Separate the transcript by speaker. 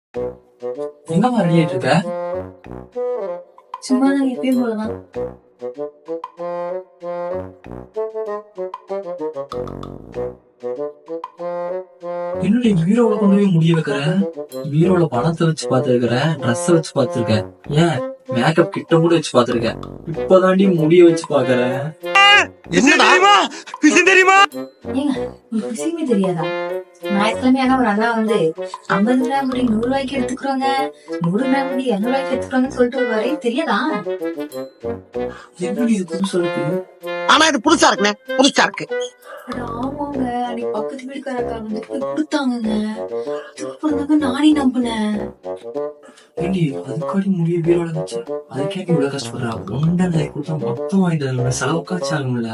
Speaker 1: எங்கம்மா ரெடி ஆயிட்டு இருக்க?
Speaker 2: சும்மா நான் எப்பயும் போலதான்.
Speaker 1: என்னுடைய பீரோல கொண்டு போய் முடிய வைக்கிற? பீரோல பணத்தை வச்சு பாத்துருக்கிற, ட்ரெஸ் வச்சு பாத்துருக்க, ஏன் மேக்கப் கிட்ட கூட வச்சு பாத்துருக்க. இப்பதாண்டி முடிய வச்சு பாக்குற.
Speaker 3: என்ன தெரியுமா தெரியுமா?
Speaker 2: ஏங்க உங்களுக்கு விஷயமே தெரியாதா? ஞாயிற்றுக்கிழமை ஆனா ஒரு அண்ணா வந்து 50 கிராம் முடி 100 ரூபாய்க்கு எடுத்துக்கிறோங்க, 100 கிராம் முடி 200 ரூபாய்க்கு எடுத்துக்கிறோங்கன்னு சொல்லிட்டு வருவாரு, தெரியாதா?
Speaker 1: எப்படி இது புதுசா இருக்கு?
Speaker 3: ஆனா இது புதுசா இருக்குண்ணே, புதுசா இருக்கு.
Speaker 2: அட ஆமாங்க, அன்னைக்கு பக்கத்து வீட்டுக்காரங்க வந்து போய் கொடுத்தாங்கங்க. அதுக்கப்புறம் தாங்க நானே நம்பினேன்.
Speaker 1: ஏண்டி அதுக்காடி முடிய பீரோல வச்சு அதுக்கே இவ்வளவு கஷ்டப்படுறா? ஒன்றரை கொடுத்தா மொத்தம் வாங்கிட்டு செலவுக்காச்சும் ஆகும்ல.